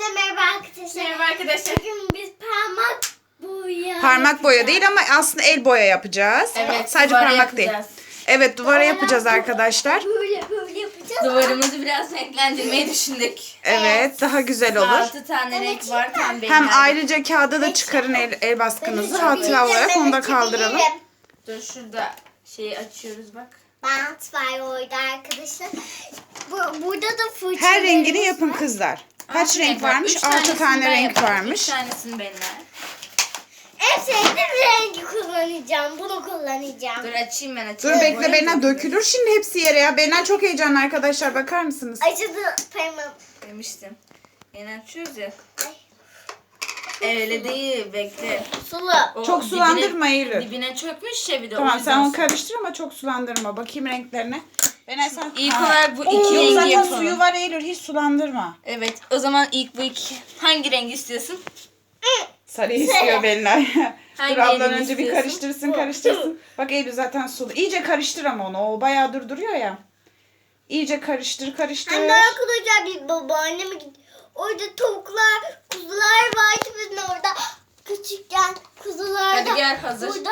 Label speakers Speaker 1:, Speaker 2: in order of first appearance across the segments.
Speaker 1: Hepinize merhaba arkadaşlar.
Speaker 2: Merhaba arkadaşlar.
Speaker 1: Bugün biz
Speaker 3: Parmak boya değil ama aslında el boya yapacağız.
Speaker 2: Evet,
Speaker 3: Sadece
Speaker 2: duvara
Speaker 3: parmak değil.
Speaker 2: yapacağız.
Speaker 3: Evet, duvara yapacağız arkadaşlar.
Speaker 1: Böyle yapacağız.
Speaker 2: Duvarımızı biraz renklendirmeyi düşündük.
Speaker 3: Evet, daha güzel olur.
Speaker 2: 6 tane renk var tam benim.
Speaker 3: Hem ayrıca kağıda da çıkarın el baskınızı. Hatıra olarak onu da kaldıralım.
Speaker 2: Dur şurada şeyi açıyoruz bak.
Speaker 1: Bant var orada arkadaşlar. Burada da fırçalarımız
Speaker 3: Her rengini
Speaker 1: var.
Speaker 3: yapın kızlar. Kaç
Speaker 2: 6
Speaker 3: renk varmış?
Speaker 2: Üç
Speaker 3: 6
Speaker 2: tanesini
Speaker 3: tane
Speaker 2: ben
Speaker 3: renk
Speaker 2: yaparım,
Speaker 3: varmış.
Speaker 2: 3 tanesini benimle.
Speaker 1: En sevdiğim rengi kullanacağım. Bunu kullanacağım.
Speaker 2: Dur açayım ben
Speaker 3: Dur
Speaker 2: açayım.
Speaker 3: bekle, Bena dökülür şimdi hepsi yere ya. Bena çok heyecanlı arkadaşlar, bakar mısınız?
Speaker 1: Acıdı parmağım.
Speaker 2: Demiştim. Yeni açıyoruz ya.
Speaker 1: Ay,
Speaker 2: Öyle değil bekle.
Speaker 1: sulu.
Speaker 2: O
Speaker 3: Çok sulandırma Eylül.
Speaker 2: Dibine çökmüş ya bir de. o
Speaker 3: Tamam,
Speaker 2: yüzden
Speaker 3: sen onu
Speaker 2: su-
Speaker 3: karıştır ama çok sulandırma. Bakayım renklerine. Bena sen...
Speaker 2: İlk
Speaker 3: Ha.
Speaker 2: olarak bu
Speaker 3: Yok,
Speaker 2: iki rengi
Speaker 3: zaten
Speaker 2: yapalım.
Speaker 3: suyu var Eylül, hiç sulandırma.
Speaker 2: Evet o zaman ilk bu iki. Hangi rengi istiyorsun?
Speaker 3: Sarı istiyor Belinay.
Speaker 2: Hangi
Speaker 3: Dur ablan
Speaker 2: elini
Speaker 3: önce bir
Speaker 2: istiyorsun?
Speaker 3: karıştırsın. Bak Eylül zaten sulu. İyice karıştır ama onu. O bayağı durduruyor ya. İyice karıştır.
Speaker 1: Anne arkadaşlar bir babaanneme gitti. Orada tavuklar, kuzular vardı bizim orada. Küçükken kuzular da.
Speaker 2: Hadi gel, hazır.
Speaker 1: Burada.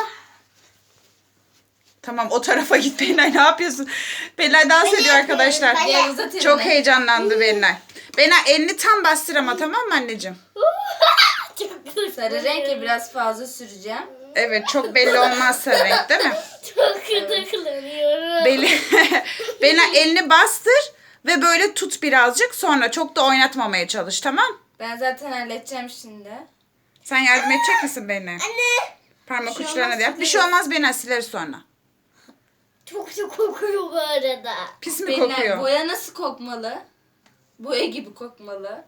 Speaker 3: Tamam, o tarafa git Belinay. Ne yapıyorsun? Belinay dans ediyor arkadaşlar.
Speaker 1: Ben de.
Speaker 2: Gel uzat elini.
Speaker 3: Çok heyecanlandı Belinay. Belinay elini tam bastır ama, tamam mı anneciğim?
Speaker 1: Çok güzel.
Speaker 2: Sarı renk ya biraz fazla süreceğim.
Speaker 3: Evet, çok belli olmaz sarı renk değil mi?
Speaker 1: Çok kötü kullanıyorum.
Speaker 3: Belinay elini bastır ve böyle tut birazcık, sonra çok da oynatmamaya çalış, tamam?
Speaker 2: Ben zaten halledeceğim şimdi.
Speaker 3: Sen yardım edecek misin Belinay?
Speaker 1: Anne.
Speaker 3: Parmak
Speaker 2: Bir şey
Speaker 3: uçlarına
Speaker 2: olmaz,
Speaker 3: da yap. Bir
Speaker 2: sileriz.
Speaker 3: şey olmaz Belinay, sileriz sonra.
Speaker 1: Çok çok kokuyor bu arada.
Speaker 3: Pis mi
Speaker 2: Benim
Speaker 3: kokuyor?
Speaker 2: boya nasıl kokmalı? Boya gibi kokmalı.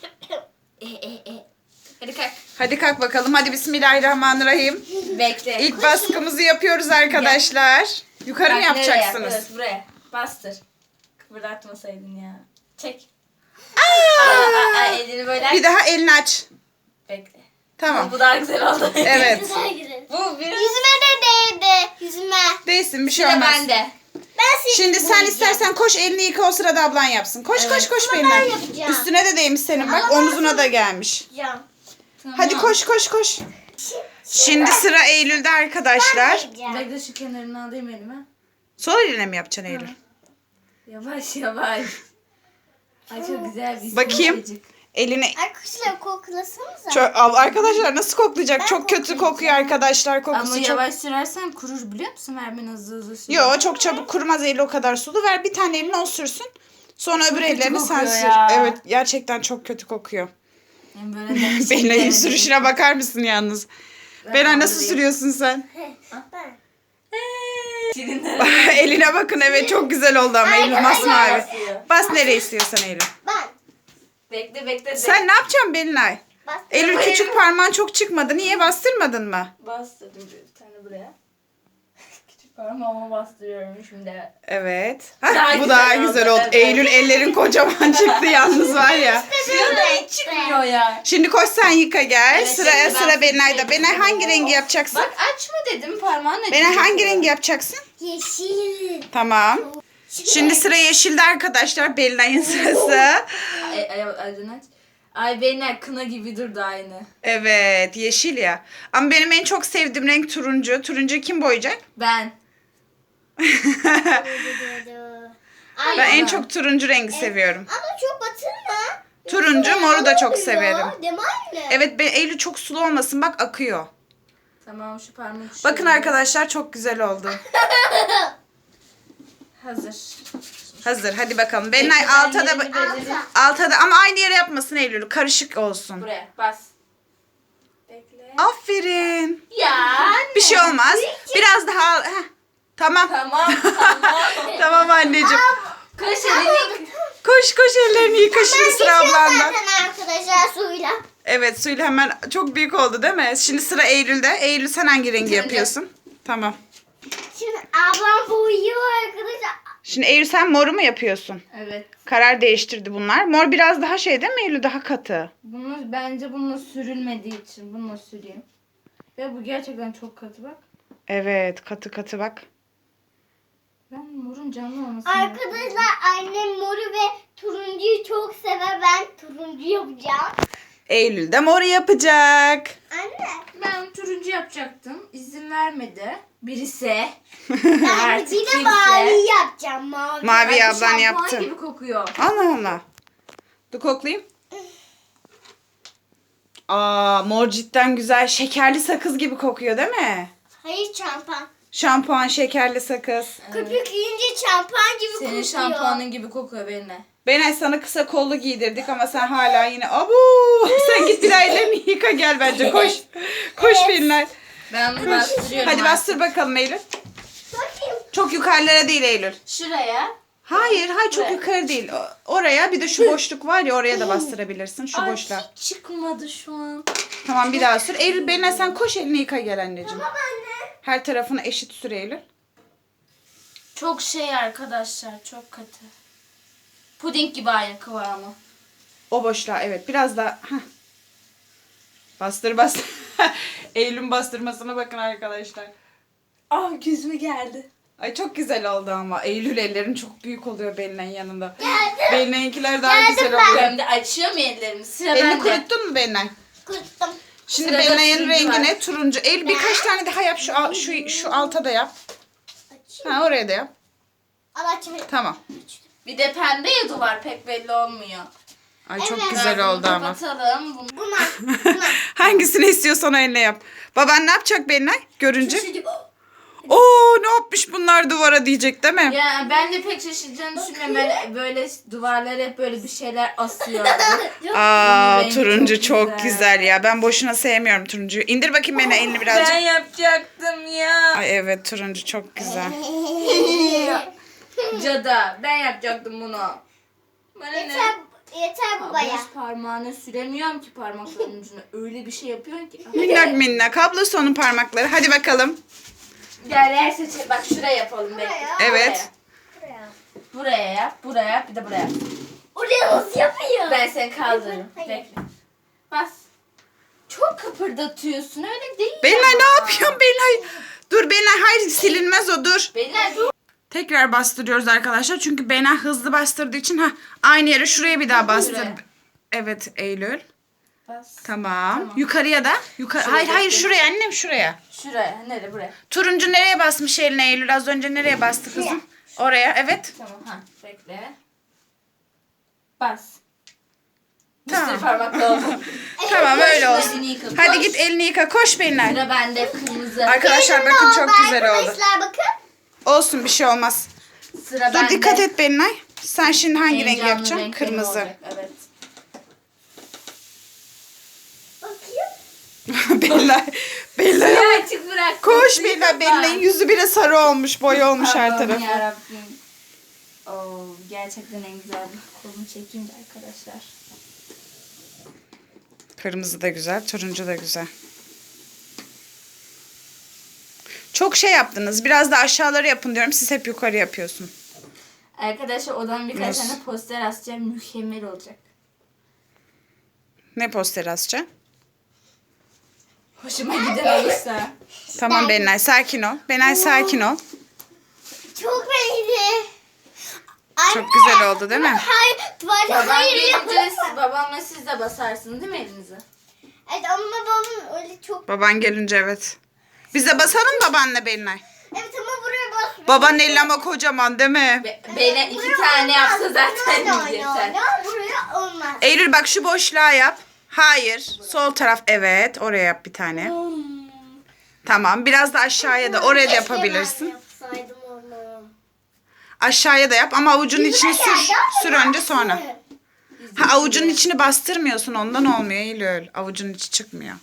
Speaker 2: Hadi kalk.
Speaker 3: Hadi kalk bakalım. Hadi bismillahirrahmanirrahim.
Speaker 2: Bekle.
Speaker 3: İlk baskımızı yapıyoruz arkadaşlar. Yukarı mı
Speaker 2: Bak, nereye?
Speaker 3: yapacaksınız?
Speaker 2: Evet, buraya. Bastır. Kıvırdatmasaydın ya. Çek. Elini böyle aç.
Speaker 3: Bir daha elini aç.
Speaker 2: Bekle.
Speaker 3: Tamam.
Speaker 2: Bu daha güzel oldu.
Speaker 3: Evet.
Speaker 1: Güzel güzel.
Speaker 2: Bu bir.
Speaker 1: Yüzüme de değdi. Yüzüme.
Speaker 3: Değilsin, bir şey
Speaker 2: Sıra
Speaker 3: olmaz.
Speaker 2: bende.
Speaker 1: Ben sizi
Speaker 3: Şimdi sen istersen koş, elini yıka, o sırada ablan yapsın. Koş koş koş
Speaker 1: Ama
Speaker 3: Belinay.
Speaker 1: ben yapacağım.
Speaker 3: Üstüne de değmiş senin, bak omzuna da gelmiş.
Speaker 1: yapacağım.
Speaker 2: Tamam.
Speaker 3: Hadi koş koş koş. Şimdi sıra Eylül'de arkadaşlar.
Speaker 2: Bekle şu kenarını alayım elime.
Speaker 3: Sol eline mi yapacaksın Eylül?
Speaker 2: Yavaş yavaş. Ay çok güzel bir
Speaker 3: Bakayım.
Speaker 2: yumuşacık.
Speaker 3: Elini
Speaker 1: Arkadaşlar koklasanıza.
Speaker 3: çok, arkadaşlar nasıl koklayacak? Çok kötü kokuyor arkadaşlar, kokusu
Speaker 2: Ama
Speaker 3: çok.
Speaker 2: yavaş sürersen kurur biliyor musun? Ver ben hızlı hızlı sür.
Speaker 3: Yo, çok çabuk kurumaz Eylül, o kadar sulu. Ver bir tane elini o sürsün. Sonra öbür
Speaker 2: kötü
Speaker 3: ellerini sen
Speaker 2: kokuyor
Speaker 3: sür.
Speaker 2: ya.
Speaker 3: Evet, gerçekten çok kötü kokuyor.
Speaker 2: Yani böyle de
Speaker 3: Belinay'ın sürüşüne bakar mısın yalnız? Belinay nasıl
Speaker 2: kaldırayım.
Speaker 3: sürüyorsun sen?
Speaker 1: Ben.
Speaker 2: Şirinler.
Speaker 3: Eline bakın, evet çok güzel oldu ama Eylül masmavi.
Speaker 2: basıyor.
Speaker 3: Bas nereye istiyorsan Eylül.
Speaker 1: Ben.
Speaker 2: Bekle bekle.
Speaker 3: Sen ne yapacaksın Belinay?
Speaker 1: Bas.
Speaker 3: Eylül küçük parmağın çok çıkmadı. Niye, bastırmadın mı?
Speaker 2: Bastırdım bir tane buraya. Küçük parmağıma bastırıyorum şimdi.
Speaker 3: Evet.
Speaker 2: Daha
Speaker 3: Bu
Speaker 2: güzel
Speaker 3: daha
Speaker 2: oldu,
Speaker 3: güzel oldu.
Speaker 2: evet.
Speaker 3: Eylül ellerin kocaman çıktı yalnız var ya.
Speaker 2: Şurada hiç çıkmıyor ya.
Speaker 3: Şimdi koş sen yıka gel.
Speaker 2: Evet,
Speaker 3: Sıraya
Speaker 2: şimdi ben
Speaker 3: sıra Belinay'da.
Speaker 2: seçeyim.
Speaker 3: Belinay hangi rengi yapacaksın?
Speaker 2: Bak açma dedim parmağınla.
Speaker 3: Belinay hangi rengi yapacaksın?
Speaker 1: Yeşil.
Speaker 3: Tamam. Şimdi sıra yeşilde arkadaşlar. Belinay'ın sırası.
Speaker 2: Aydın aç. Ay Belinay kına gibi durdu aynı.
Speaker 3: Evet, yeşil ya. Ama benim en çok sevdiğim renk turuncu. Turuncu kim boyayacak?
Speaker 2: Ben.
Speaker 1: Ay,
Speaker 3: Ben en
Speaker 2: ben.
Speaker 3: çok turuncu rengi seviyorum.
Speaker 1: ama çok batırma.
Speaker 3: Turuncu, moru da çok severim.
Speaker 1: Değil mi anne?
Speaker 3: Evet, Eylül çok sulu olmasın. Bak akıyor.
Speaker 2: Tamam şu parmak uçlarını-
Speaker 3: Bakın arkadaşlar, çok güzel oldu.
Speaker 2: Hazır.
Speaker 3: Hazır, hadi bakalım. Belinay
Speaker 2: Ben
Speaker 3: alta da
Speaker 2: yerini belirledim.
Speaker 3: alta da ama aynı yere yapmasın Eylül. Karışık olsun.
Speaker 2: Buraya bas. Bekle.
Speaker 3: Aferin.
Speaker 2: Ya.
Speaker 3: Bir şey olmaz. Biraz daha al. Heh. Tamam.
Speaker 2: Tamam.
Speaker 3: Tamam anneciğim.
Speaker 2: Koş elini.
Speaker 3: Koş koş, ellerini yıka şimdi sıra ablandan.
Speaker 1: Zaten arkadaşlar suyla.
Speaker 3: Evet, suyla hemen çok büyük oldu değil mi? Şimdi sıra Eylül'de. Eylül, sen hangi rengi
Speaker 2: Turuncu.
Speaker 3: yapıyorsun? Tamam.
Speaker 1: Şimdi ablam boyuyor arkadaşlar.
Speaker 3: Şimdi Eylül, sen moru mu yapıyorsun?
Speaker 2: Evet.
Speaker 3: Karar değiştirdi bunlar. Mor biraz daha şey değil mi Eylül? Daha katı.
Speaker 2: Bunu bence bununla sürülmediği için bununla süreyim. Ve bu gerçekten çok katı bak.
Speaker 3: Evet, katı katı bak.
Speaker 2: Ben morun canlı olmasını
Speaker 1: Arkadaşlar annem moru ve turuncuyu çok sever. Ben turuncu yapacağım.
Speaker 3: Eylül de mor yapacak.
Speaker 1: Anne.
Speaker 2: Ben turuncu yapacaktım. İzin vermedi. Birisi.
Speaker 1: Ben
Speaker 2: Artık
Speaker 1: bir de
Speaker 2: kimse.
Speaker 1: mavi yapacağım. Mavi.
Speaker 3: Mavi ablan
Speaker 2: Şampuan
Speaker 3: yaptı.
Speaker 2: gibi kokuyor.
Speaker 3: Allah Allah. Dur koklayayım. Aa, mor cidden güzel. Şekerli sakız gibi kokuyor değil mi?
Speaker 1: Hayır şampuan.
Speaker 3: Şampuan, şekerli sakız.
Speaker 1: Köpük yiyince şampuan gibi
Speaker 2: Senin
Speaker 1: kokuyor.
Speaker 2: şampuanın gibi kokuyor benimle.
Speaker 3: Benay sana kısa kollu giydirdik ama sen hala yine abu. Sen git bir daha ellerini yıka gel bence koş. Koş Benay.
Speaker 2: Ben bunu bastırıyorum.
Speaker 3: Hadi
Speaker 2: artık.
Speaker 3: bastır bakalım Eylül.
Speaker 1: Bakayım.
Speaker 3: Çok yukarılara değil Eylül.
Speaker 2: Şuraya.
Speaker 3: Hayır çok
Speaker 2: Buraya.
Speaker 3: yukarı değil. Oraya bir de şu boşluk var ya oraya da bastırabilirsin şu
Speaker 2: Ay,
Speaker 3: boşluğa.
Speaker 2: hiç çıkmadı şu an.
Speaker 3: Tamam bir daha sür. Eylül Benay sen koş elini yıka gel anneciğim.
Speaker 1: Tamam anne.
Speaker 3: Her tarafını eşit sür Eylül.
Speaker 2: Çok şey arkadaşlar. Çok katı. Puding gibi aynı kıvamı.
Speaker 3: O boşluğa evet biraz daha. Heh. Bastır bastır. Eylül'ün bastırmasına bakın arkadaşlar.
Speaker 2: Ah gözüme geldi.
Speaker 3: Ay çok güzel oldu ama. Eylül ellerin çok büyük oluyor Belinay'ın yanında.
Speaker 1: Geldim.
Speaker 3: Belinay'ınkiler daha
Speaker 1: Geldim
Speaker 3: güzel
Speaker 1: ben.
Speaker 3: oluyor.
Speaker 2: Ben de açıyorum ellerimi. Sıra
Speaker 3: Elini
Speaker 2: bende.
Speaker 3: kuruttun mu Belinay?
Speaker 1: Kuruttum.
Speaker 3: Şimdi
Speaker 2: Sırada
Speaker 3: Belinay'ın
Speaker 2: turuncu
Speaker 3: rengi ne?
Speaker 2: var.
Speaker 3: Turuncu. Eylül birkaç tane daha yap. Şu alta da yap.
Speaker 1: Açayım.
Speaker 3: Ha oraya da yap.
Speaker 1: Al açayım.
Speaker 3: Tamam.
Speaker 2: Bir de pembe ya duvar pek belli olmuyor.
Speaker 3: Ay çok
Speaker 1: Evet.
Speaker 3: güzel
Speaker 2: Biraz
Speaker 3: oldu
Speaker 2: bunu
Speaker 3: ama.
Speaker 2: Kapatalım. Bunu.
Speaker 1: Buna.
Speaker 3: Hangisini istiyorsan o eline yap. Baban ne yapacak Belinay görünce?
Speaker 1: Şaşırdım.
Speaker 3: Oo ne yapmış bunlar duvara diyecek değil mi?
Speaker 2: Ya ben de pek şaşıracağını düşünmüyorum. Ben böyle duvarlara hep böyle bir şeyler asıyor.
Speaker 3: Aa
Speaker 2: rengi
Speaker 3: turuncu
Speaker 2: çok
Speaker 3: çok
Speaker 2: güzel.
Speaker 3: güzel ya. Ben boşuna sevmiyorum turuncuyu. İndir bakayım beni elini birazcık.
Speaker 2: Ben yapacaktım ya.
Speaker 3: Ay evet turuncu çok güzel.
Speaker 2: Cada ben yapacaktım bunu. Bana ne?
Speaker 1: Yeter bu baya.
Speaker 2: Abla hiç parmağına süremiyorum ki parmaklarının ucuna. Öyle bir şey yapıyorsun ki.
Speaker 3: Minnak minnak. Ablası onun parmakları. Hadi bakalım.
Speaker 2: Gel yer seçelim. Bak şuraya yapalım. Bekle.
Speaker 1: Buraya.
Speaker 3: Evet.
Speaker 1: Buraya.
Speaker 2: Buraya yap. Buraya yap. Bir de buraya yap.
Speaker 1: Oraya nasıl yapıyor?
Speaker 2: Ben seni kaldırırım.
Speaker 1: Hayır.
Speaker 2: Bekle. Bas. Çok kıpırdatıyorsun. Öyle değil
Speaker 3: Belinay
Speaker 2: ama.
Speaker 3: ne yapıyorsun Belinay? Dur Belinay hayır silinmez o dur.
Speaker 2: Belinay dur.
Speaker 3: Tekrar bastırıyoruz arkadaşlar. Çünkü Belinay hızlı bastırdığı için aynı yere şuraya bir daha bastır.
Speaker 2: Buraya.
Speaker 3: Evet Eylül.
Speaker 2: Bas.
Speaker 3: Tamam. Yukarıya da. Hayır hayır şuraya annem şuraya.
Speaker 2: Şuraya. Nereye? Buraya.
Speaker 3: Turuncu nereye basmış eline Eylül? Az önce nereye bastı kızım? Oraya evet.
Speaker 2: Tamam. Ha. Bekle. Bas.
Speaker 3: Tamam.
Speaker 2: Bir sürü parmakla oldu.
Speaker 3: Tamam öyle olsun.
Speaker 2: Elini yıka.
Speaker 3: Hadi
Speaker 2: Koş.
Speaker 3: git elini yıka. Koş Belinay.
Speaker 2: Sıra bende kırmızı.
Speaker 3: Arkadaşlar bakın çok güzel oldu.
Speaker 1: Arkadaşlar bakın.
Speaker 3: Olsun bir şey olmaz.
Speaker 2: Sıra
Speaker 3: Dur
Speaker 2: bende.
Speaker 3: dikkat et Belinay. Sen şimdi hangi rengi
Speaker 2: Heyecanlı
Speaker 3: yapacaksın?
Speaker 2: renk benim
Speaker 3: Kırmızı.
Speaker 2: olacak, evet.
Speaker 1: Bakayım.
Speaker 3: Belinay.
Speaker 2: Ya açık bırak.
Speaker 3: Koş Belinay. Belinay'ın yüzü bile sarı olmuş. Boya olmuş her
Speaker 2: Allah'ım
Speaker 3: tarafı.
Speaker 2: yarabbim. Oo, gerçekten en güzel. Kolumu çekeyim de arkadaşlar.
Speaker 3: Kırmızı da güzel. Turuncu da güzel. Çok şey yaptınız. Biraz da aşağıları yapın diyorum. Siz hep yukarı yapıyorsun.
Speaker 2: Arkadaşlar odama birkaç
Speaker 3: Nasıl?
Speaker 2: tane poster asacağım. Mükemmel olacak.
Speaker 3: Ne posteri asacaksın?
Speaker 2: Hoşuma giden olursa.
Speaker 3: Tamam Belinay sakin ol. Belinay sakin ol.
Speaker 1: Çok renkli.
Speaker 3: Çok güzel oldu değil mi?
Speaker 1: Hayır. Duvarda
Speaker 2: Babam
Speaker 1: hayır
Speaker 2: gelince
Speaker 1: yapamam.
Speaker 2: babamla siz de basarsınız değil mi elinizi?
Speaker 1: Evet ama babam öyle çok.
Speaker 3: Baban gelince evet. Biz de basalım babanla Belinay.
Speaker 1: Evet ama buraya basmıyor.
Speaker 3: Babanın eli ama kocaman değil mi?
Speaker 2: Beni iki tane yapsa zaten yeter.
Speaker 1: Buraya olmaz.
Speaker 3: Eylül bak şu boşluğa yap. Hayır. Sol taraf evet. Oraya yap bir tane. Tamam. Biraz da aşağıya da. Oraya da yapabilirsin.
Speaker 1: Yapsaydım onu.
Speaker 3: Aşağıya da yap ama avucunun içini sür.
Speaker 1: Güzel geldi
Speaker 3: Sür
Speaker 1: ama
Speaker 3: önce sonra.
Speaker 1: yapsın.
Speaker 3: Ha avucunun içini bastırmıyorsun. Ondan olmuyor Eylül. Avucunun içi çıkmıyor.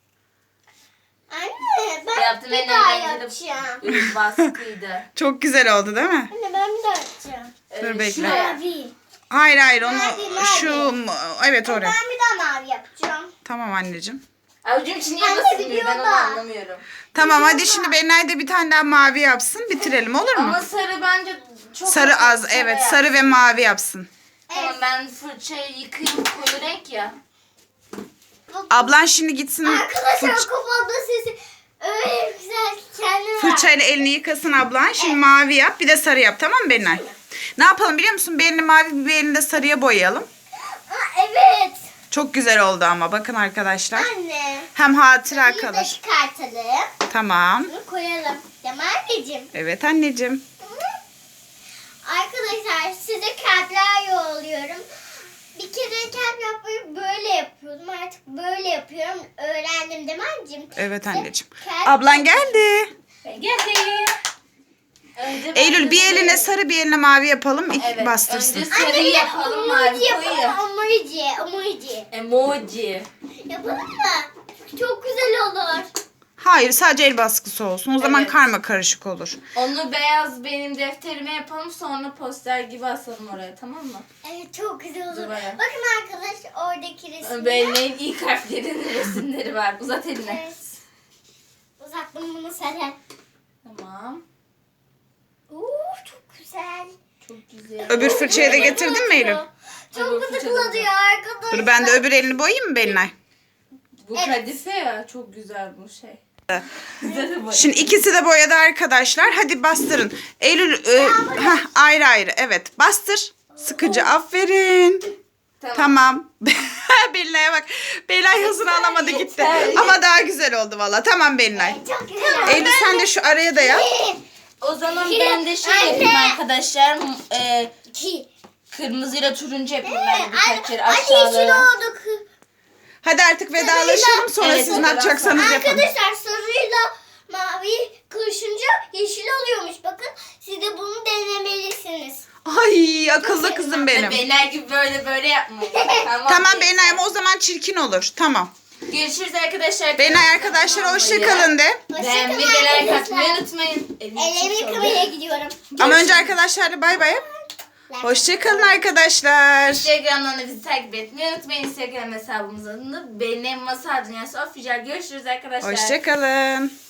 Speaker 1: Anne ben
Speaker 2: Yaptım
Speaker 1: bir
Speaker 2: en
Speaker 1: daha
Speaker 2: eğlenceli
Speaker 1: yapacağım.
Speaker 2: baskıydı.
Speaker 3: Çok güzel oldu değil mi?
Speaker 1: Anne ben bir daha yapacağım.
Speaker 3: Dur bekle.
Speaker 2: Şuraya.
Speaker 1: Mavi.
Speaker 3: Hayır onu
Speaker 1: Mavi.
Speaker 3: şu evet oraya.
Speaker 1: Ben bir daha mavi yapacağım.
Speaker 3: Tamam anneciğim.
Speaker 2: Avucum için niye
Speaker 1: Anne
Speaker 2: basılmıyor ben
Speaker 1: biliyor
Speaker 2: onu
Speaker 1: da.
Speaker 2: anlamıyorum.
Speaker 3: Tamam hadi şimdi Belinay da bir tane daha mavi yapsın. Bitirelim olur mu?
Speaker 2: Ama sarı bence çok
Speaker 3: Sarı az evet
Speaker 2: yap.
Speaker 3: sarı ve mavi yapsın.
Speaker 2: Tamam ben fırçayı yıkayayım koyu renk ya.
Speaker 3: Ablan şimdi gitsin.
Speaker 1: Arkadaşlar
Speaker 3: fırç-
Speaker 1: kafamda sesi Öyle güzel ki kendime bak.
Speaker 3: Fırçayla elini yıkasın ablan. Şimdi mavi yap bir de sarı yap, tamam mı Belinay? Ne yapalım biliyor musun? Bir elini mavi bir elini de sarıya boyayalım.
Speaker 1: Aa, evet.
Speaker 3: Çok güzel oldu ama bakın arkadaşlar.
Speaker 1: Anne.
Speaker 3: Hem hatıra
Speaker 1: Bunu da
Speaker 3: kalır.
Speaker 1: çıkartalım.
Speaker 3: Tamam.
Speaker 1: Bunu koyalım. Değil mi anneciğim?
Speaker 3: Evet anneciğim.
Speaker 1: Arkadaşlar size kalpler yolluyorum. Bir kere kalp yapmayı böyle yapıyordum. Artık böyle yapıyorum. Öğrendim değil mi anneciğim?
Speaker 3: Evet anneciğim.
Speaker 1: Kalp-
Speaker 3: Ablan geldi.
Speaker 2: Ben geldim. Önce ben
Speaker 3: Eylül bir
Speaker 2: de-
Speaker 3: eline sarı bir eline mavi yapalım.
Speaker 2: Evet,
Speaker 3: Bastırsın.
Speaker 2: önce
Speaker 1: Anne
Speaker 2: sarıyı
Speaker 1: bir de
Speaker 2: yapalım, mavi
Speaker 1: emoji yapalım.
Speaker 2: koyu. Emoji.
Speaker 1: Yapalım mı? Çok güzel olur.
Speaker 3: Hayır sadece el baskısı olsun. O zaman
Speaker 2: Evet.
Speaker 3: karma karışık olur.
Speaker 2: Onu beyaz benim defterime yapalım, sonra poster gibi asalım oraya, tamam mı?
Speaker 1: Evet çok güzel olur.
Speaker 2: Duvara.
Speaker 1: Bakın arkadaş oradaki resimde.
Speaker 2: Benim ilk harflerin resimleri var. Uzat elini.
Speaker 1: Evet. Uzattım bunu sana.
Speaker 2: Tamam.
Speaker 1: Çok güzel.
Speaker 2: Çok güzel.
Speaker 3: Öbür fırçayı da getirdin mi Eylül?
Speaker 1: Çok
Speaker 2: Öbür fırça da
Speaker 1: gıdıklatıyor arkadaşlar.
Speaker 3: Dur ben de öbür elini boyayayım mı Belinay?
Speaker 2: Bu
Speaker 1: Evet.
Speaker 2: kadife ya, çok güzel bu şey. Güzel bu.
Speaker 3: Şimdi ikisi de boyadı arkadaşlar. Hadi bastırın. Eylül ayrı ayrı. Evet bastır. Sıkıcı aferin. Tamam. Belinay'a bak. Belinay hızını alamadı gitti.
Speaker 2: Yeter.
Speaker 3: Ama daha güzel oldu valla. Tamam Belinay.
Speaker 1: Çok güzel.
Speaker 3: Eylül sen de şu araya da yap.
Speaker 2: O zaman ben de şey
Speaker 1: Anne.
Speaker 2: yapayım arkadaşlar.
Speaker 1: İki.
Speaker 2: Kırmızıyla turuncu yapayım ben birkaç kere
Speaker 1: Anne yeşil
Speaker 2: aşağılara.
Speaker 1: oldu.
Speaker 3: Hadi artık vedalaşalım. Sonra
Speaker 2: Evet,
Speaker 3: siz ne yapacaksanız yapın.
Speaker 1: Arkadaşlar sarıyla mavi karışınca yeşil oluyormuş. Bakın siz de bunu denemelisiniz.
Speaker 3: Ay akıllı kızım benim.
Speaker 2: Beyler gibi böyle yapmayın.
Speaker 3: Tamam
Speaker 2: yeter.
Speaker 3: Belinay ama o zaman çirkin olur. Tamam.
Speaker 2: Görüşürüz arkadaşlar.
Speaker 3: Belinay arkadaşlar hoşçakalın de.
Speaker 2: Beğenmeyi
Speaker 1: Hoşçakalın
Speaker 2: ve like atmayı
Speaker 1: arkadaşlar.
Speaker 2: unutmayın.
Speaker 1: Ellerimi yıkamaya gidiyorum.
Speaker 3: Ama önce arkadaşlarla bay bay yap. Hoşçakalın arkadaşlar.
Speaker 2: Instagram'dan da bizi takip etmeyi unutmayın. Instagram hesabımız adını Benim Masal Dünyası Official. Görüşürüz arkadaşlar.
Speaker 3: Hoşçakalın.